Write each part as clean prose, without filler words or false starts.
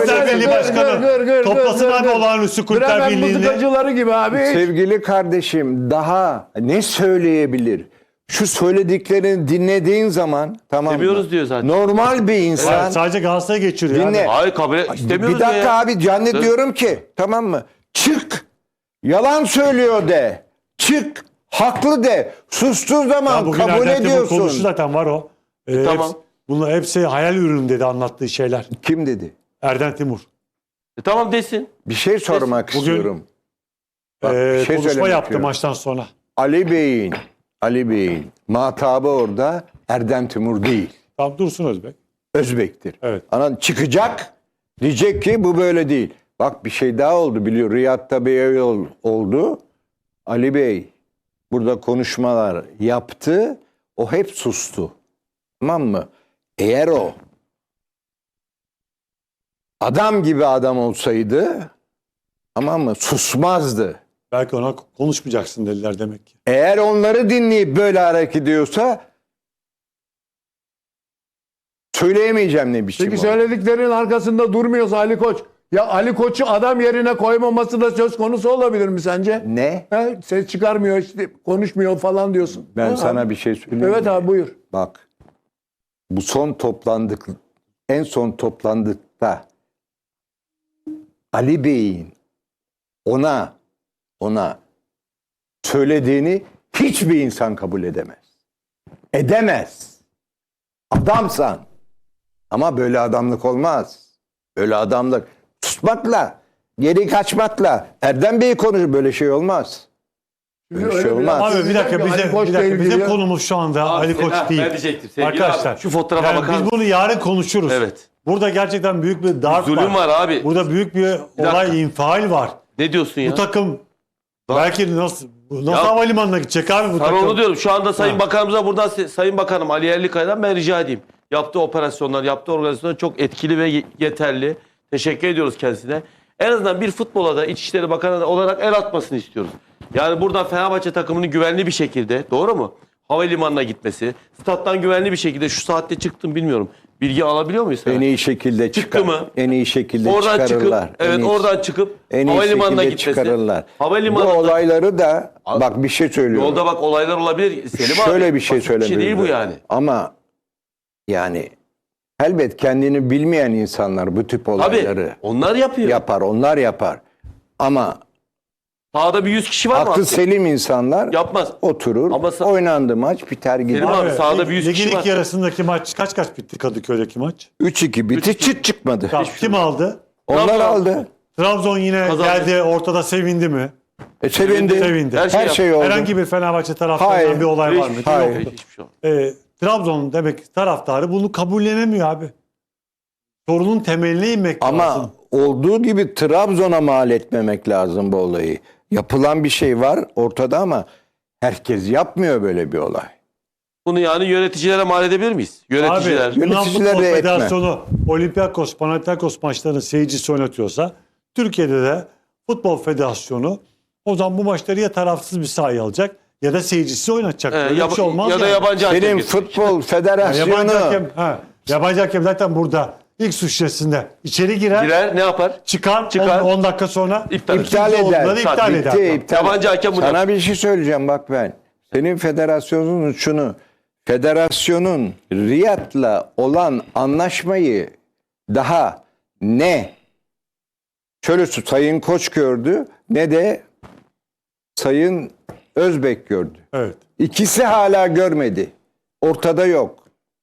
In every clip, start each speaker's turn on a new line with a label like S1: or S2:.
S1: Kulüpler Birliği Başkanı toplasın abi olağanüstü Kulüpler
S2: Bremen
S1: Birliği'ni.
S2: mızıkacıları gibi abi.
S3: Sevgili kardeşim daha ne söyleyebilir? Şu söylediklerini dinlediğin zaman tamam mı?
S4: Demiyoruz diyor zaten.
S3: Normal bir insan.
S1: Evet, sadece Galatasaray'a geçiriyor.
S3: Dinle.
S1: Abi.
S4: Hayır kabul istemiyoruz
S3: Bir dakika
S4: ya.
S3: abi zannediyorum ki tamam mı? Çık. Yalan söylüyor de. Çık. Haklı de. Sustuğu
S1: Ya
S3: bugün
S1: bugün
S3: kabul
S1: Erdem Timur
S3: ediyorsun.
S1: konuştu zaten var o.
S4: Tamam.
S1: Bunlar hepsi hayal ürünü dedi anlattığı şeyler.
S3: Kim dedi?
S1: Erdem Timur.
S4: Tamam desin.
S3: Bir şey sormak
S1: Bugün-
S3: istiyorum. Bak, bir şey
S1: Konuşma
S3: söylemek
S1: yaptı
S3: istiyorum.
S1: maçtan sonra.
S3: Ali Bey'in matabı orada Erdem Timur değil.
S1: Tamam Dursun Özbek.
S3: Özbek'tir.
S1: Evet.
S3: Anan çıkacak diyecek ki bu böyle değil. Bak bir şey daha oldu biliyor. Riyad'da bir yol oldu. Ali Bey burada konuşmalar yaptı. O hep sustu. Tamam mı? Eğer o adam gibi adam olsaydı tamam mı? Susmazdı.
S1: Belki ona konuşmayacaksın dediler demek ki.
S3: Eğer onları dinleyip böyle hareket ediyorsa söyleyemeyeceğim ne biçim
S2: Peki
S3: o.
S2: söylediklerinin arkasında durmuyorsa Ali Koç. Ya Ali Koç'u adam yerine koymaması da söz konusu olabilir mi sence?
S3: Ne?
S2: He, ses çıkarmıyor, işte konuşmuyor falan diyorsun.
S3: Ben
S2: Ha,
S3: sana
S2: abi.
S3: bir şey söyleyeyim.
S2: Evet
S3: mi?
S2: abi buyur.
S3: Bak. Bu en son toplandıkta Ali Bey'in ona söylediğini hiçbir insan kabul edemez. Edemez. Adamsan. Ama böyle adamlık olmaz. Böyle adamlık susmakla, geri kaçmakla Erdem Bey konuşur. Böyle şey olmaz. Böyle
S2: Öyle
S3: şey
S2: bir
S3: olmaz.
S2: laf-
S1: Abi bir dakika
S2: Ali Koç'la ilgili
S1: bizim
S2: ya.
S1: konumuz şu anda Ali Koç
S4: ben
S1: değil.
S4: diyecektim sevgili
S1: Arkadaşlar
S4: abi, şu fotoğrafa bakar
S1: biz
S4: mısın?
S1: bunu yarın konuşuruz.
S4: Evet.
S1: Burada gerçekten büyük bir darp
S4: Zulüm var abi.
S1: Burada büyük bir
S4: dakika.
S1: olay infial var.
S4: Ne diyorsun ya?
S1: Bu takım belki nasıl
S4: Ya-
S1: havalimanına gidecek abi bu
S4: Sana
S1: takım.
S4: onu diyorum. Şu anda Sayın
S1: Ha.
S4: Bakanımıza buradan Sayın Bakanım Ali Yerlikaya'dan ben rica edeyim. Yaptığı operasyonlar, yaptığı organizasyonlar çok etkili ve yeterli. Teşekkür ediyoruz kendisine. En azından bir futbola da İçişleri Bakanı olarak el atmasını istiyoruz. Yani buradan Fenerbahçe takımının güvenli bir şekilde, doğru mu? Havalimanına gitmesi, stat'tan güvenli bir şekilde şu saatte çıktım bilmiyorum. Bilgi alabiliyor muyuz?
S3: En iyi şekilde
S4: Çıktı
S3: çıkar.
S4: mı?
S3: En iyi şekilde
S4: Oradan
S3: çıkarırlar.
S4: çıkıp, evet oradan çıkıp
S3: en iyi
S4: havalimanına
S3: şekilde
S4: gitmesi.
S3: çıkarırlar. Bu
S4: Havalimanında
S3: olayları da bak bir şey söylüyorum.
S4: yolda bak olaylar olabilir. Selim abi.
S3: Şöyle bir şey
S4: basit bir şey değil bu
S3: söyleyebilirim.
S4: yani.
S3: Ama yani elbet kendini bilmeyen insanlar bu tip olayları
S4: Tabii onlar yapıyor.
S3: yapar. Onlar yapar. Ama
S4: Sahada bir 100 kişi var mı?
S3: aklı selim insanlar
S4: Yapmaz.
S3: oturur.
S4: Ama
S3: Oynandı maç biter gider.
S4: Selim abi, sahada bir 100 kişi
S1: ligin
S4: var.
S1: ilk yarısındaki maç kaç bitti Kadıköy'deki maç?
S3: 3-2 bitti çıt çıkmadı.
S1: Tamam, kim aldı?
S3: Onlar
S4: Trabzon
S3: aldı.
S1: Trabzon yine
S4: Kazandı.
S1: geldi ortada sevindi mi?
S3: Sevindi.
S1: Sevindi.
S4: Her şey
S3: oldu.
S1: Herhangi bir Fenerbahçe taraftarından
S3: Hayır.
S1: bir olay var mı?
S4: Hiçbir şey
S3: Hayır.
S4: yok. Hiçbir şey yok.
S1: Trabzon demek taraftarı bunu kabullenemiyor abi. Sorunun temeline inmek
S3: Ama
S1: lazım.
S3: olduğu gibi Trabzon'a mal etmemek lazım bu olayı. Yapılan bir şey var ortada ama herkes yapmıyor böyle bir olay.
S4: Bunu yani yöneticilere mal edebilir miyiz? Yöneticiler.
S1: Abi Yunan
S3: Yöneticiler
S1: Futbol
S3: de etme.
S1: Federasyonu Olympiakos, Panathinaikos maçlarının seyircisi oynatıyorsa Türkiye'de de Futbol Federasyonu o zaman bu maçları ya tarafsız bir sahaya alacak ya da seyircisi oynatacak. Böyle bir şey olmaz
S4: ya da
S1: yani.
S4: yabancı hakem
S3: Benim
S4: getirecek.
S3: futbol federasyonu
S1: Yabancı hakem zaten burada ilk suç şişesinde içeri
S4: Girer ne yapar?
S1: çıkar.
S4: Çıkar.
S1: 10 dakika sonra
S4: İptal
S3: iptal
S1: ikinci
S3: eder.
S1: olduğunda da iptal
S3: Bitti,
S1: eder.
S3: iptal.
S4: Yabancı hakem bunu
S3: Sana bir şey söyleyeceğim bak ben. Senin federasyonun şunu. Federasyonun Riyad'la olan anlaşmayı daha ne şöyle Sayın Koç gördü ne de Sayın Özbek gördü.
S1: Evet.
S3: İkisi hala görmedi. Ortada yok.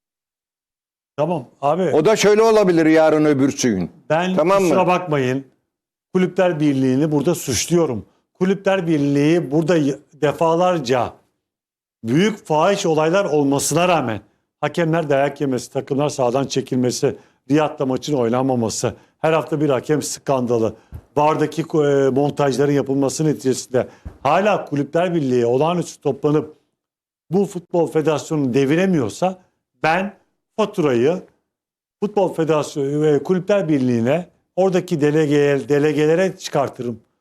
S1: Tamam abi.
S3: O da şöyle olabilir yarın öbürsü gün.
S1: Ben
S3: Tamam mı?
S1: kusura bakmayın. Kulüpler Birliği'ni burada suçluyorum. Kulüpler Birliği burada defalarca büyük fahiş olaylar olmasına rağmen hakemler dayak yemesi, takımlar sahadan çekilmesi, Riyad'da maçın oynanmaması, her hafta bir hakem skandalı, VAR'daki montajların yapılması neticesinde hala Kulüpler Birliği olağanüstü toplanıp bu Futbol Federasyonu'nu deviremiyorsa ben faturayı Futbol Federasyonu ve Kulüpler Birliği'ne oradaki delegelere çıkartırım.